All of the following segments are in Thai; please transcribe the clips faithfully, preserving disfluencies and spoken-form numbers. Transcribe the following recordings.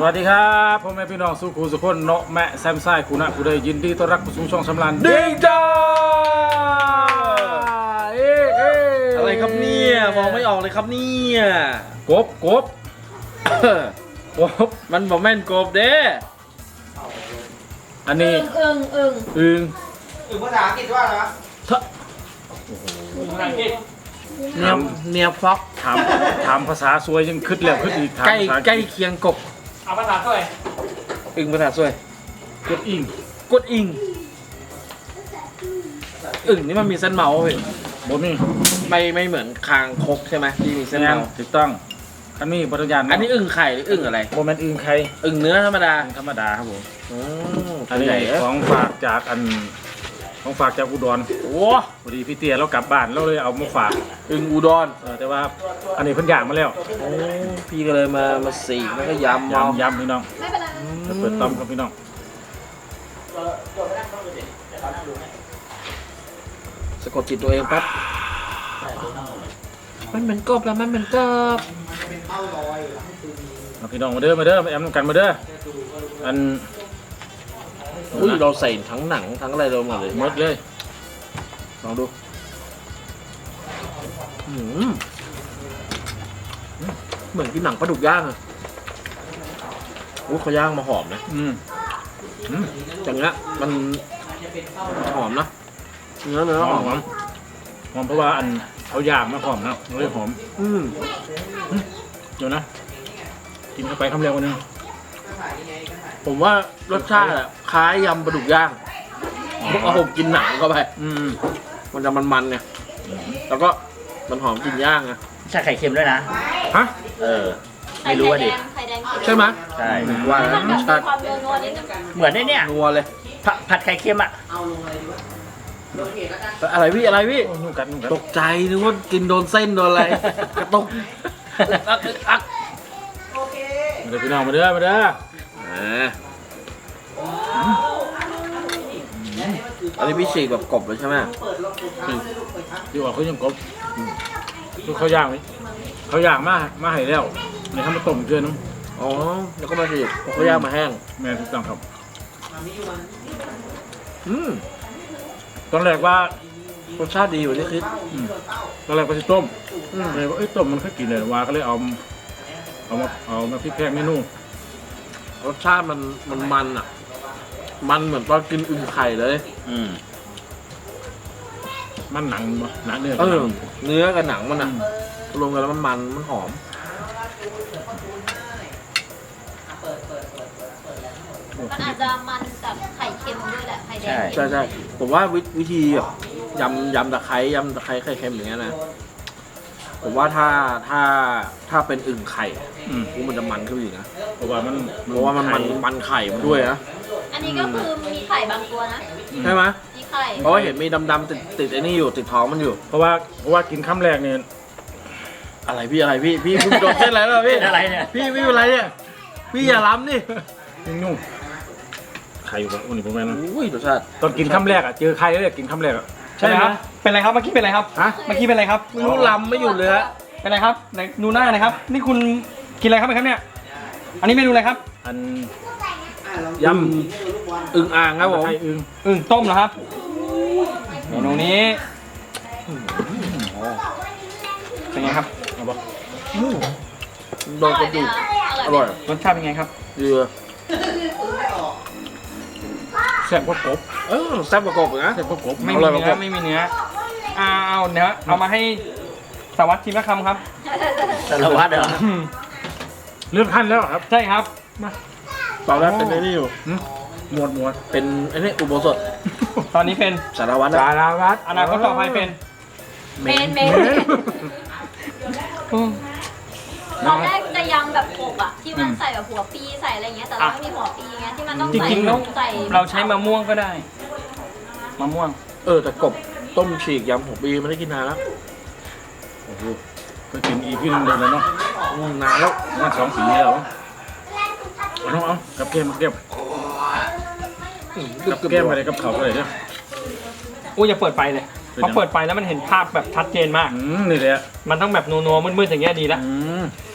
วัสดีครับพ่อแม่พี่น้องสุขุสุขคนเนาะแม่แซมไซคุณะคุณได้ยินดีต้อนรับเข้าสู่ช่องสำรานดิ้งจ้าเอ๊ะเอ๊ะอะไรครับเนี่ยมองไม่ออกเลยครับเนี่ยกบกบกบมันบอกแม่นกบเด้อันนี้อึ่งอึ่งอึงอึ่งภาษาอังกฤษว่าอะไรวะทะภาษาอังกฤษเนียเนียฟ็อกถามถามภาษาสวยยังคิดแล้วคิดอีกถามใกล้ภาษาใกล้เคียงกบเอาภาษาเท่าไหร่อึ่งภาษาสวยกดอิงกดอิงอึ่งนี่มันมีเส้นเมาส์เว้ยบ่มีไม่ไม่เหมือนคางคกใช่ไหมที่มีเส้นแม่นเมาส์ถูกต้องอันนี้บริญาณอันนี้อึ่งไข่หรืออึ่งอะไรโมเมนต์อึงใครอึ่งเนื้อธรรมดาอึงธรรมดาครับผมอืมอันนี้ใหญ่ของฝากจากอันของฝากจากอุดรโอ้พอดีพี่เตี้ยเรากลับบ้านเราเลยเอามาฝากอึ่งอุดรเออแต่ว่าอันนี้เพิ่นย่างมาแล้วโอ้พี่ก็เลยมามาสีกแล้วก็ยำเอายำยำพี่น้องไม่เป็นไรจะเปิดต้อมครับพี่น้องสะกดจิตตัวเองแป๊บมันเป็นกบแล้วมันเป็นกบเอาพี่น้องมาเด้อมาเด้อมาแอมกันมาเด้ออันอุ้ยเราใส่ทั้งหนังทั้งอะไรเราหมดเลยหมดเลยลองดูอืมเหมือนกินหนังปลาดุกย่างอะอุ้ยเขาย่างมาหอมนะอืมอืมอย่างเงี้ยมันหอมนะเนื้อเนื้อหหออมมหอมหอมเพราะว่าอันเขาย่างมาหอมนะมันเลยหอมอืมเดี๋ยวนะกินเข้าไปคำเร็วกว่านึงผมว่ารสชาติอะคล้ายยำปลาดุกย่างเอาผมกินหนังเข้าไปอืมมันจะมันๆไงแล้วก็มันหอมกลิ่นย่างไงใช่ไข่เค็มด้วยนะฮะเออ ไม่รู้ว่าดิไข่แดงไข่แดงใช่ไหมใช่ว่ามันแล้วแบบรสมีชาติความนัวๆนิดนึงเหมือนไอ้เนี่ยนัวเลยผัดผัดไข่เค็มอ่ะอะไรพี่อะไรพี่โอ้ยนุ่มกันนุ่มกันตกใจนึกว่ากินโดนเส้นโดนอะไร กระตุกอักอึกอักมาเด้อพี่น้องมาเด้อมาเด้ออ่าอันนี้พี่ฉีกแบบกบเลยใช่ไหมที่ว่าเขายังกบคือเขาย่างไหมเขาย่างมามาให้แล้วในทำมาต้มเกลือน้ำอ๋อแล้วก็มาฉีกเขาย่างมาแห้งแม่ถูกต้องครับอืมตอนแรกว่ารสชาติดีอยู่ที่คิดอืมตอนแรกก็จะต้มอืมเลยว่าเอ้ยต้มมันเคยกินเลยว่าก็เลยเอาเอามาเอามาพริกแพงเมนูรสชาติมันมันมันอ่ะ มันเหมือนตอนกินอึ่งไข่เลยอืมมันหนังบ่หนังเนื้อเออเนื้อกับหนังมันอ่ะรวมกันแล้วมันมันมันหอมมันอาจจะมันกับไข่เค็มด้วยแหละไข่แดงใช่ใช่ผมว่าวิวิธีแบบยำยำตะไคร้ยำตะไคร้ไข่เค็มอย่างเงี้ยนะผมว่าถ้าถ้าถ้าเป็นอึ่งไข่อืมมันจะมันขึ้นอีกนะเพราะว่ามันเพราะว่ามันมันมันไข่มันด้วยนะอันนี้ก็คือมีไข่บางตัวนะใช่ไหมมีไข่เพราะว่าเห็นมีดำๆติดติดไอ้นี่อยู่ติดท้องมันอยู่เพราะว่าเพราะว่ากินคำแรกเนี่ยอะไรพี่อะไรพี่พี่คุณโดนเส้นอะไรแล้วพี่เป็นอะไรเนี่ยพี่พี่เป็นอะไรเนี่ยพี่อย่าล้ำนี่ยุ่งยุ่งไข่อยู่กับวันนี้ผมแม่นนะอุ้ยรสชาติตอนกินคำแรกอ่ะเจอไข่แล้วกินคำแรกอ่ะใช่ไหมครับ เป็นไรครับ เมื่อกี้เป็นไรครับฮะเมื่อกี้เป็นไรครับไม่รู้ล้ำไม่หยุดเลยฮะเป็นไรครับไหนดูหน้าหน่อยครับ นี่คุณกินอะไรครับครับเนี่ย อันนี้เมนูอะไรครับอันยอึ่งอ่างครับำผมไข่อึงอึ่งต้มเหรอครับ เมนูนี้เป็นไงครับเอาบ่โดนกระดูกอร่อยรสชาติเป็นไงครับเยือแซ่บกว่ากบเออแซ่บกว่ากบอีกนะแซ่บกว่ากบไม่อมีร่อยกว่าเนื้อผมไม่มีเนื้อเอาเอาเนื้อเอามาให้สวัสดิ์ทีละคำครับสารวัตรเหรอเลื่อนขั้นแล้วครับใช่ครับตอนแรกเป็นไอ้นี่อยู่หึหมวดหมวดเป็นไอ้นี่อุโบสถตอนนี้เป็นสารวัตรสานะราวัตรอนาคตต่อไปเป็นเมนเมนตอนแรกจะยำแบบกบอะที่มันใส่แบบหัวปีใส่อะไรเงี้ยแต่เราไม่มีหัวปีไงที่มันต้องจใส่ริงๆแล้วใส่เราใช้มะม่วงก็ได้มะม่วงเออแต่กบต้มฉีกยำหัวปีไม่ได้กินนานแล้วโอ้โหก็กินอีกพี่นึงเดินแล้วเนาะอืมนานแล้วน่าสองปีแล้วเอาน้องเอากับแก้มกับแก้มอืมกับแก้มอะไรกับเขาอะไรเนี่ยอู้อย่าเปิดไฟเลยเป็นเพราะยังเปิดไฟแล้วมันเห็นภาพแบบชัดเจนมากอืมนี่แหละมันต้องแบบนัวๆมืดๆอย่างเงี้ยดีละอืมเข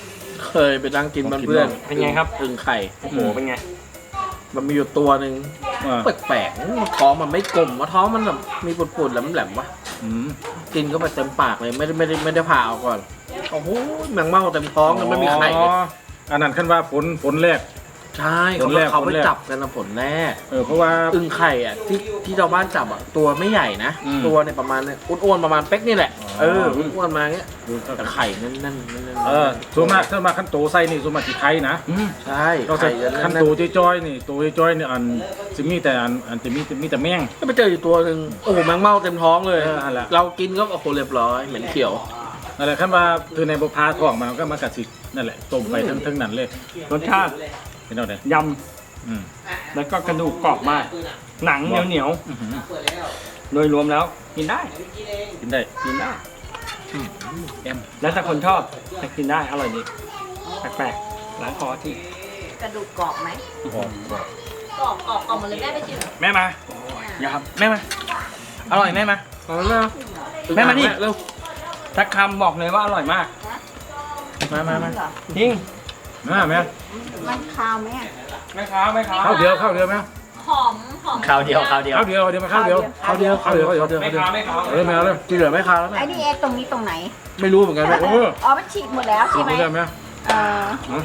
เคยไปนั่งกินบ้านเพื่อนเป็นไงครับอึ่งไข่โอ้โหเป็นไงมันมีอยู่ตัวหนึ่งอ่าแปลกๆท้องมันไม่กลมว่าท้องมันแบบมีปุดๆแหลมๆวะอืมกินก็ไปเต็มปากเลยไม่ได้ไม่ได้ไม่ได้ผ่าเอาก่อนโอ้โหแมงเม่าเต็มท้องเลยไม่มีไข่เลยอ๋ออันนั้นขั้นว่าฝนฝนแรกใช่เขาผลแรกเขาผไปลแรกจับกันนะผลแรกเออเพราะว่าอึ่งไข่อ่ะที่ที่ชาวบ้านจับอ่ะตัวไม่ใหญ่นะอืมตัวเนี่ยประมาณเนี่ยอ้วนๆประมาณเป๊กนี่แหละอ๋อเอออ้วนๆมาเงี้ยแต่ไข่นั่นนั่นนั่นนั่นเออส่วนมากส่วนมากขั้นโตไส้นี่ส่วนมากที่ไทยนะใช่ก็จะไข่นั่นขั้นนั่โตนจ้อยๆนี่โตจ้อยๆนี่อันจะมีแต่อันอันจะมีมีแต่แมงก็ไปเจออยู่ตัวหนึ่งโอ้โหแมงเม่าเต็มท้องเลยเออนั่นแหละเรากินก็โอ้โหเรียบร้อยเหม็นเขียวนั่นแหละขั้นว่าคือในบุพาท้องมันก็มากระสินั่นแหละต้มไปทั้งทั้งนั้นเลยรสชาติเป็นเอาไหนยอืมำแล้วก็กระดูกกรอบมาก หนังเหนียวเหนียวอื้อหือๆโดยรวมแล้วกินได้กินได้กินได้แอมแล้วถ้าคนชอบจะกินได้อร่อยดีแปลกๆล้างคอที่กระดูกกรอบไหมหอมกรอบกรอบกรอบกรอบหมดเลยแม่ไปชิมแม่มาอย่าครับแม่มาอร่อยแม่มาเอาแล้วแม่มานี่เร็วสักคำบอกเลยว่าอร่อยมากมามามาจริงมาแม่มันคาวไหมอะไม่ค้าไม่ค้าข้าวเดียวข้าวเดียวไหมหอมหอมคราวเดียวคราวเดียวข้าวเดียวเดียวมาข้าวเดียวข้าวเดียวข้าวเดียวข้าวเดียวข้าวเดียวไม่ค้าไม่ค้าเออแมวเลยที่เหลือไม่คาแล้วไอ้แม่นี่เอตรงนี้ตรงไหนไม่รู้เหมือนกันแม่โอ้อ๋อ มันฉีกหมดแล้วกิใช่นไหมได้ไหมเออ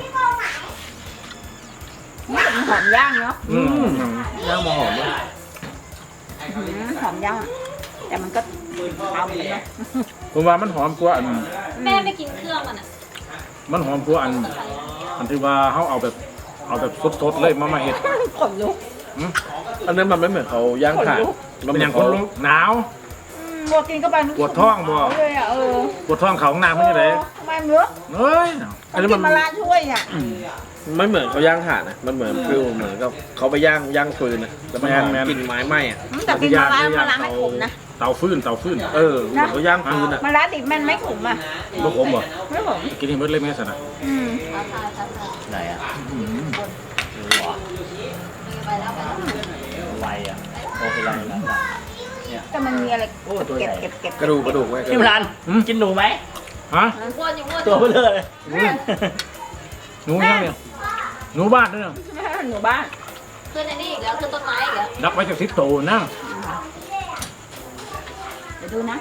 นี่เป็นหอมย่างเนาะอืมย่างมาหอมมากอื้อหือหอมย่างอะแต่มันก็เอาเหมือนกันเนาะผมว่ามันหอมกว่าอันแม่ไม่กินเครื่องมันอ่ะมันหอมกว่าอัน อันที่ว่าเขาเอาแบบเอาแบบสดๆเลยมามาเห็ดขนลุกอันนั้นมันไม่เหมือนเขาย่างถ่านมันเป็นอย่างคนลุกหนาวอืมบัวกินเข้าไปปวดท้องบ่เลยอ่ะเออปวดท้องเขาห้องน้ำมันจะไหนทำไมเนื้อเฮ้ยอันนี้กิมันนมาลาช่วยเนี่ยไม่เหมือนเขาย่างถ่านนะมันเหมือนฟิลเหมือนกับเขาไปย่างย่างฟืนนะแล้วมันหอมกลิ่นไม้ไหม้อะอืมแต่กินมาลามาลาไม่ขมนะเตาฟืนเตาฟืนเออเหมือนเขาย่างฟืนอะมาลาดิบมันไม่ขมอ่ะลูกผมบ่ไม่ขมกินให้หมดเลยแม่สนะอืมท้าทายท้าทายไหนอ่ะอืมรู้เหรอไปแล้วไปแล้วไวอ่ะโอ้เป็นไรแล้วแต่มันมีอะไรโอ้ตัวใหเก็บญ่เก็บเก็บกระดูกกระดูกไว้พี่มรันกินหนูไหมฮะอ้วนอยู่อ้วนตัวเบลอเลยหนูยังเนี่ยหนูบ้านด้วยเนี่ยหนูบ้านขึ้นไอ้นี่อีกแล้วขึ้นต้นไม้อีกแล้วดักไว้จากทิศโตนะเดี๋ยวดูนะ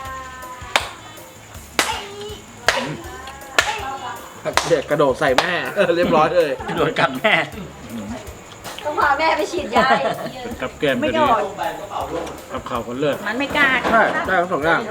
เด็กกระโดดใส่แม่เออเรียบร้อยเลยโดนกัดแม่ต้องพาแม่ไปฉีดยาอีกเป็นกับแก้มไม่ก็โดดีดกับข้าวคนเลือดมันไม่กล้าใช่ได้ทั้งสองอย่าง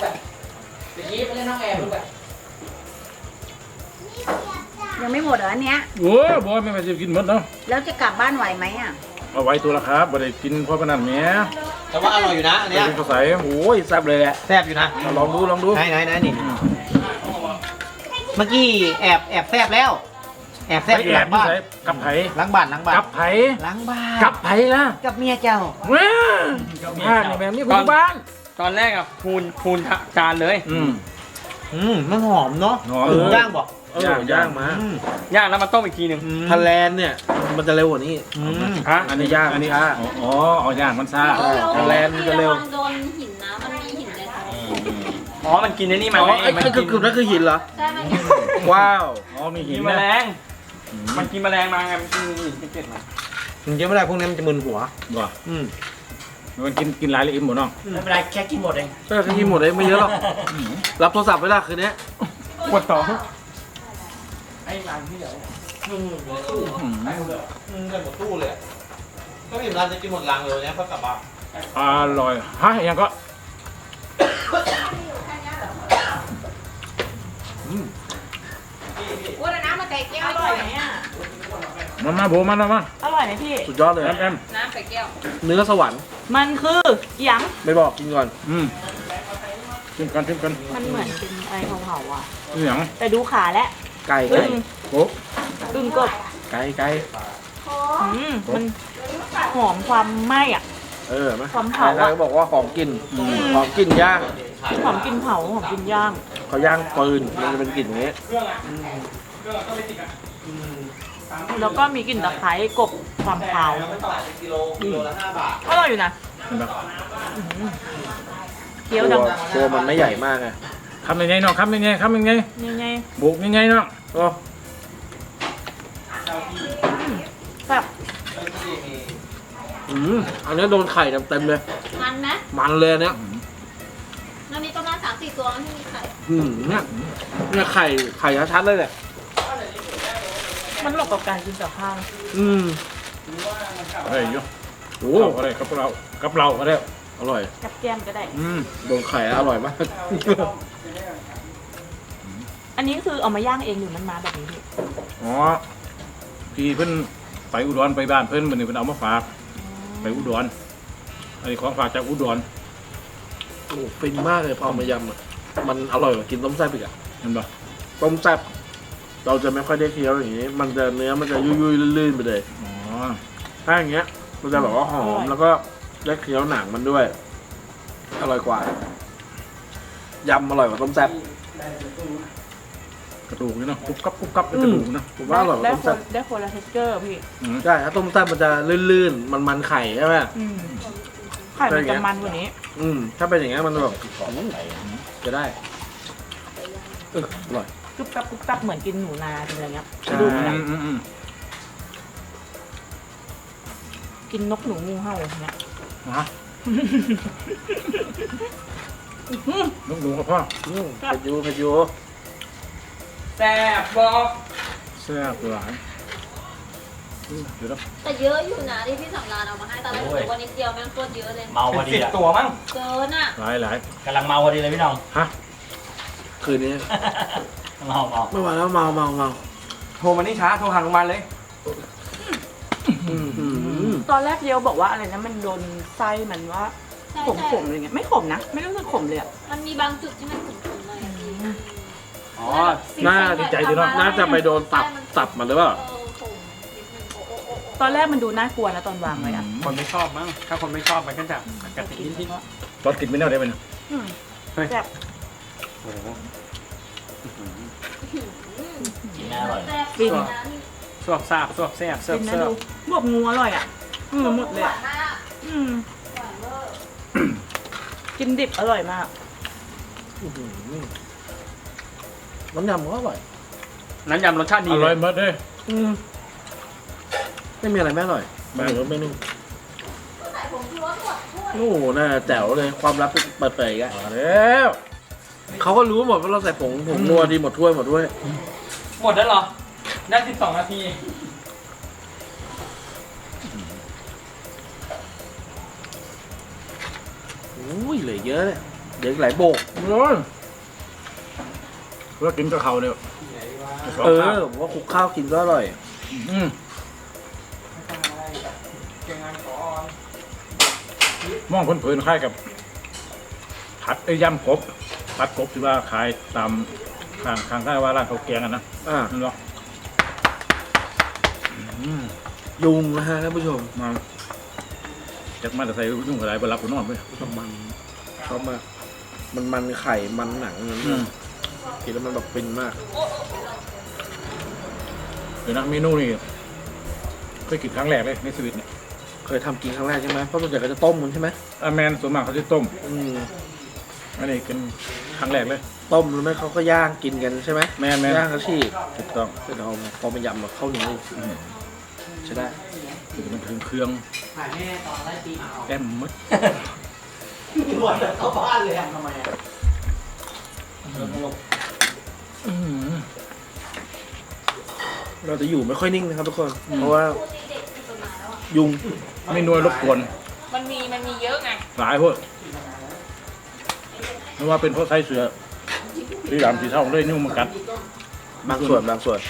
ยังไม่หมดเหรออันเนี้ยโอ้ยบอยไม่มาจะกินหมดเนาะแล้วจะกลับบ้านไหวไหมอ่ะเอาไว้ตัวละครับบ่ได้กินเพราะพนันแหม่แต่ว่าอร่อยอยู่นะอันไปเนี้ยกินข้าวใสโอ้ยแซ่บเลยแหละแซ่บอยู่นะลองดูลองดูไหนไหนไหนนี่ เมื่อกี้แอบแอบแซ่บแล้ว แอบแซ่บอยู่แอหลับงที่บ้านใส่กับไผหลังบ้านหลังบ้านกับไผหลังบ้านกับไผล่ะกับเมียเจ้าเว้ยบ้านนี่แม่มีคนอยู่บ้านตอนแรกอะพูนพูนจานเลยอืมอืมมันหอมเนาะหอมหมูย่างบอกเออย่างมาอืมย่างแล้วมาต้มอีกทีหนึ่งอืมทะแลนเนี่ยมันจะเร็วกว่านี้อืมฮะอันนี้ย่างอันนี้ช้าอ๋ออ๋อเอาย่างมันซ่าเออทะเลมันจะเร็วระวังโดนหินนะมันมีหินในท้องอ๋อมันกินไอ้นี่มาอ๋อไงไอ้มันไอ้กิกึบๆนั่นคือหินเหรอใช่ไหมว้าวอ๋อมีหิกินนแมนะลงมันกินแมลงมาไงมันกินหินเก็บๆมาถึงจะไม่ได้พวกนี้มันจะมึนหัวบ่อืมมันกินกินหลายละอิ่มหมดเนาะไม่เป็นไรแค่กินหมดเองก็คือกินหมดเลยไม่เยอะหรอกรับโทรศัพท์ไว้ละคืนนี้ปวดท้องอืมอืมกันหมดตู้เลยก็มีร้านจะกินหมดลังเลยเนี่ยเพื่อกลับบ้านอร่อยฮะยังก็ว่าน้ำมาใส่แก้วอร่อยไหมอ่ะมามาโบมามามาอร่อยไหมพี่สุดยอดเลยแอมแอมน้ำใส่แก้วเนื้อสวรรค์มันคือหยังไม่บอกกินก่อนอืมชิมกันชิมกันมันเหมือนเป็นอะไรเผาๆอ่ะนี่หยังแต่ดูขาแล้วไก่อึ้ไก่งโอ้อึ้งกบไก่ไก่อืมมันหอมความไหม้อ่ะเออไหมความใคเผาร อะๆก็บอกว่าหอมกลิ่นหอมกลิ่นย่างหอมกลินเผาหอมกลินย่างเขาย่างปืนมันจะเป็นกลิ่นอย่างนี้แล้วก็มีกลิ่นตะไคร้กบความเผากิโลกิโลละห้าบาทอร่อยอยู่นะเห็นปะเคี้ยวตัดัวงตัวมันไม่ใหญ่มากไงคำยังไงเนาะคำยังไงคำยังไงยังไงบุกยังไงเนาะก็อืมอันนี้โดนไข่เต็มๆเลยมันไหมมันเลยอันเนี้ยมันมีประมาณสามสี่ตัวที่มีไข่อืมเนี่ยเนี่ยไข่ไข่ชัดๆเลยเนี่ยมันเหมาะกับการกินกับข้าวอืมอะไรอยู่โอ้โอ้อะไรกับเรากับเราก็ได้อร่อยกับแก้มก็ได้อืมโดนไข่แล้วอร่อยมากอันนี้คือเอามาย่างเองหรือมันมาแบบนี้พี่อ๋อพี่เพิ่นไปอุดรไปบ้านเพิ่นมันนี่เพิ่นเอามาฝากไปอุดรอันนี้ของฝากจากอุดรโอ้ฟินมากเลยพอเอามายำอ่ะมันอร่อยกว่ากินต้มแซ่บอีกอ่ะเห็นปะต้มแซ่บเราจะไม่ค่อยได้เคี้ยวอย่างนี้ มันจะเนื้อมันจะยุ่ยๆลื่นๆไปเลยอ๋อถ้าอย่างเงี้ยมันจะแบบว่าหอมแล้วก็ได้เคี้ยวหนังมันด้วย อร่อยกว่ายำอร่อยกว่าต้มแซ่บกระดูกนี่เนาะกรุบกรับกรุบกรับเป็นกระดูกเนาะผมว่าอร่อยกว่าได้ต้มคแซ่นบได้คนละเทคเจอร์พี่อืมใช่ถ้าต้มแซ่บมันจะลื่นๆมันมันๆไข่ใช่ไหมอืมไข่มันจะมันกว่านี้อืมถ้าเป็นอย่างเงี้ยมันแบบจะได้เอออร่อยกรึบกรับกรึบกรับเหมือนกินหนูนากินอะไรเงี้ยใช่กระดูกอะไรอืมอืมอืมกินนกหนูงูเห่าเนี่ยนะลูกหนูกับพ่ออืมเผ็ดอยูเผ็ดอยูแซ่บบอกแซ่บหลายอืมเดี๋ยวนะแต่เยอะอยู่นะที่พี่สำราญเอามาให้ตอนแรกผมว่านิดเดียวแม่งโคตรเยอะเลยเมาพอดีสิบอ่ะตัวมั้งเกินอ่ะหลายหลายกำลังเมาพอดีเลยพี่น้องฮะคืนนี้เมาเมาไม่ไหวแล้วเมาเมาเมาโทรมานี่ช้าโทรหาโรงพยาบาลเลยอืมอืมตอนแรกเดียวบอกว่าอะไรนะมันโดนไส้มันว่าใช่ขมใช่ขมๆอะไรเงี้ยไม่ขมนะ ไม่รู้สึกขมเลยอะมันมีบางจุดที่มันขุ่นๆเลยอะพี่อ๋อน่าดีใจดีเนาะน่าจะไปโดนตับตับมันหรือเปล่าเออขุ่นนิดนึงโอ้โอ้โอ้โอ้ตอนแรกมันดูน่ากลัวนะตอนวางไว้อะคนไม่ชอบมั้ง ถ้าคนไม่ชอบมันก็จะกระติกนิดตอนกินไม่ได้ได้ไหมเนี่ยอืมเฮ้ยแบบๆโอ้โหกินน่าอร่อยแซ่บฟินนะนี่สวบซาบสวบแซ่บเสิร์ฟกินนะเสิร์ดูฟบวบงูอร่อยอะอืมหมดเลยหวาอะนมากอืมหวานเวอร์กินดิบอร่อยมากอื้อหือน้ำยำก็อร่อยน้ำยำรสชาติดีอเลร่อยยมากเลยอืมไม่มีอะไรไม่อร่อยแม่ไม่เหลือเมนูใส่ผงชูรสหมดถ้วยโอ้โหน่าแจ๋วเลยความลับเปิดเผยอีกันมาแล้วเขาก็รู้หมดว่าเราใส่ผงผงนัวดีหมดถ้วยหมดถ้วยหมดแล้วเหรอ ได้สิบสองนาทีอุ้ยเหลือเยอะเลยเดี๋ยวอีกหลายโบกโอ้ยเพื่อกินกับเขาวเนี่ยสองเอข้าวอผมว่าคลุกข้าวกินก็อร่อยอืมมองคนเผินๆคล้ายกับผัดไอ้ยำกบผัดกบที่ว่าขายตามข้างข้างใต้ว่าร้านข้าวแกงอะนะอ่านั่นหรออืมยุงนะฮะท่านผู้ชมมาจากมาแต่ใส่ยุ่งกับอะไรบนรับกูนอนไปชอบมันชอบมากมันมันไข่มันหนังนั่นอืมกินแล้วมันแบบฟินมากเดี๋ยวนะเมนูนี่เคยกินครั้งแรกเลยในชีวิตเนี่ยเคยทำกินครั้งแรกใช่ไหมเพราะส่วนใหญ่ก็จะต้มมันใช่ไหมอาแมนส่วนมากเขาจะต้มอืมอันนี้เป็นครั้งแรกเลยต้มหรือไม่เขาก็ย่างกินกันใช่ไหมแม่นแม่นย่างกระชีกถูกต้องเป็นเอาพอมายำแบบข้าวเหนียวใช่ได้คือมันถึงเครื่องถ่ายแม่ตอนไล่ตีหมาแอมมัดหมดเข้าบ้านเลยอะทำไมอะอื้อหือเราจะอยู่ไม่ค่อยนิ่งนะครับทุกคน เพราะว่าพูดเด็กๆที่ประมาณแล้วอ่ะยุงไม่นวยรบกวนมันมีมันมีเยอะไงหลายพวกไม่ว่าเป็นเพราะไส้เสือสีดำสีเทาเลยนิ้วมันกัดบางส่วนบางส่วน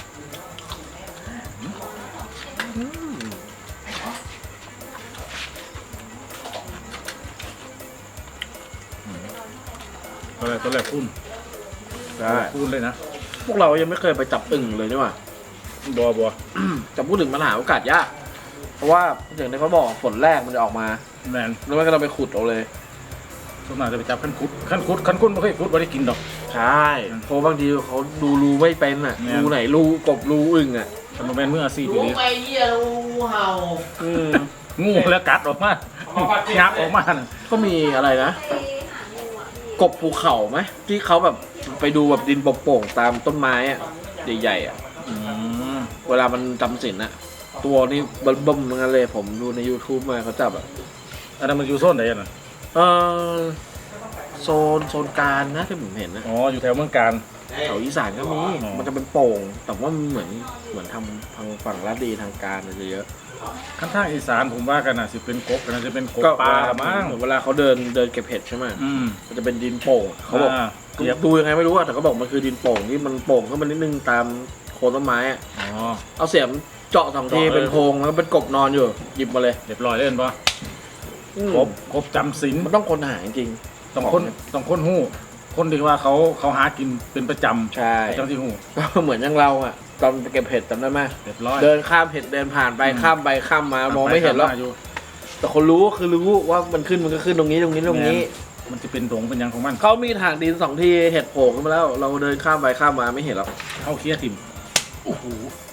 ตอนแรกตอนแรกพุ่นได้พุ่นเลยนะพวกเรายังไม่เคยไปจับอึ่งเลยนี่หว่าบัวบัวจะพูดถึงปัญหาโอกาสยาก เพราะว่าอย่างที่เขาบอกฝนแรกมันจะออกมาแมนแล้วไม่ก็เราไปขุดเอาเลยส่วนมากจะไปจับขั้นคุดขั้นคุดขั้นคุดไม่เคยคุดไม่ได้กินดอกใช่เพราะบางทีเขาดูรูไม่เป็นอ่ะแม่นรูไหนรูกบรูอึ่งอ่ะทำมาแมนเมื่ออาซีปีรู้นี้ไปเยี่ยรู้เห่าอืมงูแล้วกัดออกมางับออกมาน่ะก็มีอะไรนะไปหางูอ่ะพี่กบภูเขาไหมที่เขาแบบไปดูแบบดินโป่งๆตามต้นไม้อ่ะใหญ่ๆอ่ะอืมเวลามันจำศีลอ่ะตัวนี้เบิ่มๆเหมือนกันเลยผมดูใน YouTube มาเขาจับอ่ะอันนั้นมันอยู่โซนไหนอะน่ะเออโซนโซนกลางนะที่ผมเห็นนะอ๋ออยู่แถวเมืองการแถวอีสานก็มีอ๋อมันจะเป็นโป่ง แต่ว่ามันเหมือนเหมือนทำทางฝั่งลาดดีทางการมันจะเยอะขั้นทางอีสานผมว่ากันน่ะสิเป็นกบกันน่ะจะเป็นกบก็ปลาละมั้งเหมือนเวลาเขาเดินเดินเก็บเห็ดใช่ไหมอืมมันจะเป็นดินโป่งเขาบอกาเทียบดูยังไงไม่รู้อะแต่เขาบอกมันคือดินโป่งที่มันโป่งขึ้นมานิดนึงตามโคนต้นไม้อะอ๋อเอาเสียมเจาะสองทีเจาะเลยเป็นโพรงแล้วก็เป็นกบนอนอยู่หยิบมาเลยเรียบร้อยเล่นปะอืมกบกบจำศีลมันต้องคนหาจริงต้องคนต้องคนหู้คนที่ว่าเขาเขาหากินเป็นประจำใช่จังที่หู้ก็เหมือนอย่างเราอะตอนไปเก็บเห็ดจำได้ไหมเรียบร้อยเดินข้ามเห็ดเดินผ่านไปอืมข้ามไปข้ามมามองไม่เห็นหรอกปยู่แต่คนรู้คือรู้ว่ามันขึ้นมันก็ขึ้นตรงนี้ตรงนี้ตรงนี้มันจะเป็นดงเป็นหยังของมันเขามีถางดินสองทีเห็ดโผล่ขึ้นมาแล้ว เราเดินข้ามไปข้ามมาไม่เห็นหรอกเข้าเคี้ยทิมโอ้โห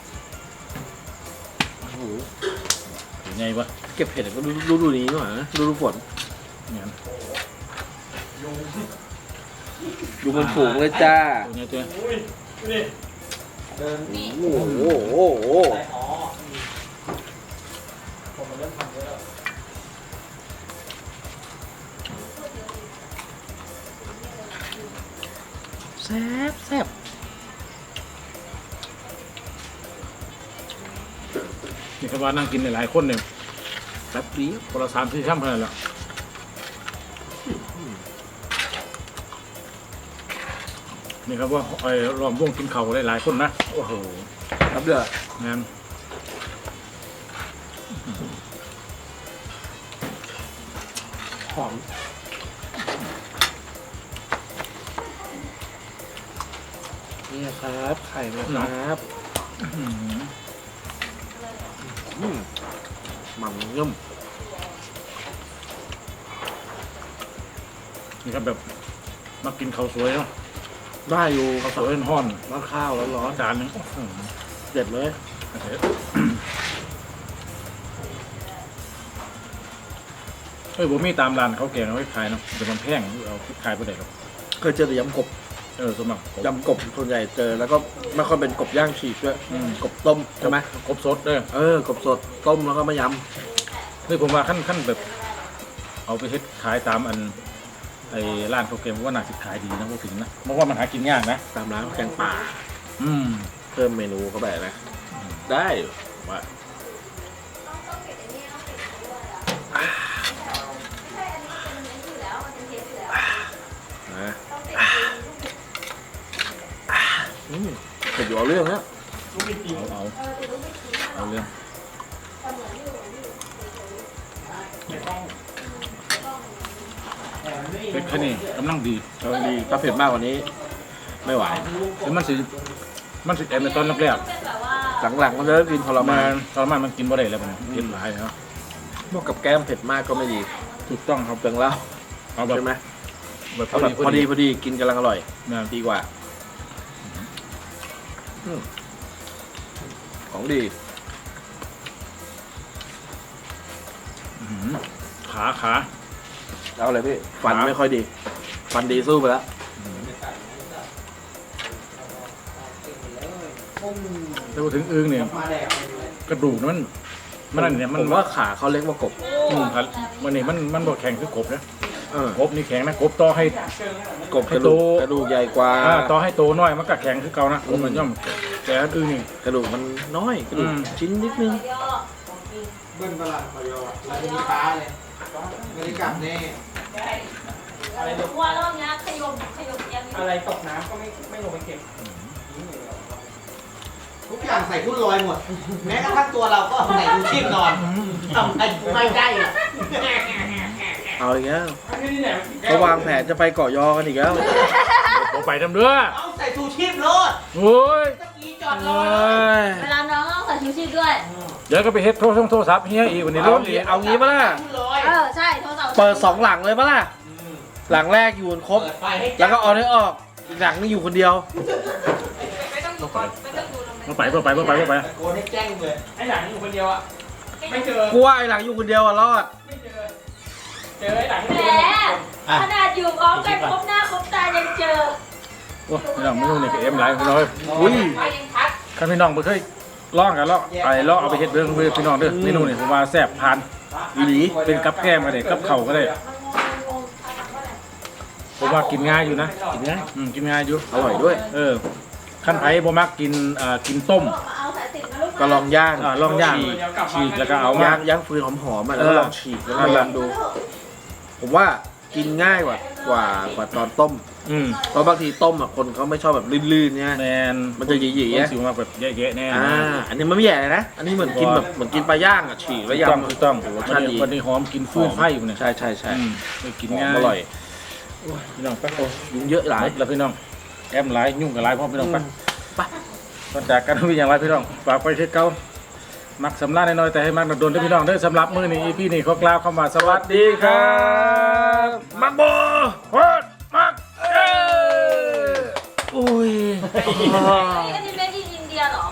โอ้โหหรือไงวะเก็บเห็ดก็ดูดูดูนี้หน่อยนะดูดูฝนเนี่ยดูมันฝูงเลยจ้าตัวเนี้ยตัวโอ้โหโอ้โหแซ่บแซ่บนี่ครับว่านั่งกินหลายๆคนเนี่ยแซ่บดีคนละสามสี่ช่ำขนาดละนี่ครับว่าไอ้รอมวงกินเข่าวหลายๆคนนะโอ้โหครับเด้องานหอมนี่ครับไข่นะครับอื้อหืออืมมันยุ่มนี่ครับแบบมากินข้าวสวยเนาะได้อยู่ข้าวสวยห้อนร้อนข้าวร้อนร้อนๆจานหนึงโอ้โหเด็ดเลยเอ้ยผมมีตามร้านเขาวแกงเอาไว้ขายเนาะแต่มันแพงเอาขายไปได้หรอกเคยเจอแต่ยำกบเออสมบัติกบยำกบส่วนใหญ่เจอแล้วก็ไม่ค่อยเป็นกบย่างฉีกด้วยอืมกบต้มใช่ไหมกบสดเด้อเออกบสดต้มแล้วก็มายนี่ผมว่าขั้นขั้นแบบ เอาไปเฮ็ดขายตามอันไอ้ร้านข้าวแกงผมว่าน่าสิขายดีนะพูดถึงนะเพราะว่ามันหากินยากนะำตามร้านแกงป่าอืมเพิ่มเมนูเข้าไปนะได้ว่านะอืมเผ็ดอยู่เอาเรื่องนะเอาเอาเอาเรื่องเป็ดแค่นี้กำลังดีกำลังดีถ้าเผ็ดมากกว่านี้ ไม่ไหวคือมันสิมันสิแอบในตอนแรกเป็นแบบว่าหลังๆมันจะเริ่มกินทรๆมามัน นตอนมันมันกินบ่ได้แล้วมันเผ็ดหลายครับพวกกับแก้มเผ็ดมากก็ไม่ดีถูกต้องครับเปลืองเหล้าเอาแบบใช่ไหมแบบพเอาอแบดีบพอดีพอดีกินกำลังอร่อยนะดีกว่าอืมของดีอื้อหือขาขาเอาอะไรพี่ฟันครับไม่ค่อยดี ฟันดีสู้ไปแล้วถ้าพูดถึงอึ้งเนี่ยกระดูกมันมันนั่นเนี่ยมันผมว่าขาเขาเล็กกว่ากบอืมครับมันนี่มันมันบ่แข็งคือกบนะเออกบนี่แข็งนะกบต่อให้กบกระดูกให้โตกระดูกใหญ่กว่าอ่าต่อให้โตน้อยมันก็แข็งคือเก่านะกอืบมมันย่อมแต่อันอื่นนี่กระดูกมันน้อยกระดูกอืมชิ้นนิดนึงย่อเบิ้ลตลาดพอยอแล้วมีฟ้าเลยไม่ได้กลับแน่ว่ารอบเนี้ยขยมขยมเอียงอะไรตกน้ำก็ไม่ไม่ลงไปเก็บทุกอย่างใส่ทุ่นลอยหมด แม้กระทั่งตัวเราก็ใส่ชูชีพนอนทำไมไม่ได้อะเอาอีกแล้วนี่นี่ไหนเขาวางแผนจะไปเกาะยอกันอีกแล้วโอไปทำเด้อเอาใส่ชูชีพโลดโอ้ยตะกี้จอดรโอ้อเลยยเวลาน้องต้องใส่ชูชีพด้วยเดี๋ยวก็ไปเฮ็ดโทรศัพท์โทรศัพท์เฮียอีกวันนี้เอาร้อนงี้อีกเอางี้ปะล่ะทุ่นลอยเออใช่โทรศัพท์เปิดสองหลังเลยปะล่ะ หลังแรกอยู่กันครบเปิดไฟให้แล้วก็เอาได้ออก อีกหลังนี่อยู่คนเดียวต้องไปต้องไปต้องไปต้องไปต้องไปตะโกนให้แจ้งเลยไอ้หลังอยู่คนเดียวอ่ะ ไม่เจอกูว่าไอ้หลังอยู่คนเดียวอะรอดไม่เจอ เจอไอ้หลังแหมขนาดอยู่พร้อมกันครบหน้าครบตายังเจอโอ้ยพี่น้องไม่รู้นี่ก็เอ็มหลายพี่น้องอุ้ยไฟยังพัดคันพี่น้องบ่เคยลองกันลองไอ้ลองเอาไปเฮ็ดเรื่องพี่น้องเด้อเมนูนี่ผมว่าแซ่บผ่านอีหลีเป็นกับแก้มก็ได้กับเข่าวก็ได้ผมว่ากินง่ายอยู่นะกินง่ายอืมกินง่ายอยู่อร่อยด้วยเออขั้นไผ่บ่มักกินอ่ากินต้มก็ลองย่างอ่าลองย่างฉีกแล้วก็เอามาย่างย่างฟืนหอมๆอ่ะแล้วก็เออลองฉีกแล้วนั่ก็นแหลละองดู ผมว่ากินง่ายกว่ากว่ากว่าตอนต้มอืมเพราะบางทีต้มอ่ะคนเขาไม่ชอบแบบลื่นๆเนี่ยแมนมันจะหยีๆมัอะนสิว่าแบบแย่ๆแน่อ่านะอันนี้มันไม่แย่เลยนะ อันนี้เหมือนกินแบบเหมือนกินปลาย่างอ่ะฉีกแล้วถูกต้องยำถูกต้องโอ้โหรสวัชาน ตินี้ดีวันนี้หอมกินฟืนไฟอยู่เนี่ยใช่ใช่ใช่อืมไปกินหอง่าม ยอร่อยพี่น้องไปโอ้ยุงเยอะหลายแล้วพี่น้องแอมหลายยุ่งกับหลายพ่อพี่น้องไปไปก่อนจากกันพี่อย่างไรพี่น้องฝากไปที่เก่ามักสำลักน้อยๆแต่ให้มักโดนๆด้วยพี่น้องเด้อสำหรับมื้อนี้พี่นี่ขอกล่าวคำว่าสวัสดีครับมักโบโคตรมักเอ้ยอุ้ยอันนี้ก็ที่เมดินอินเดียเหรอ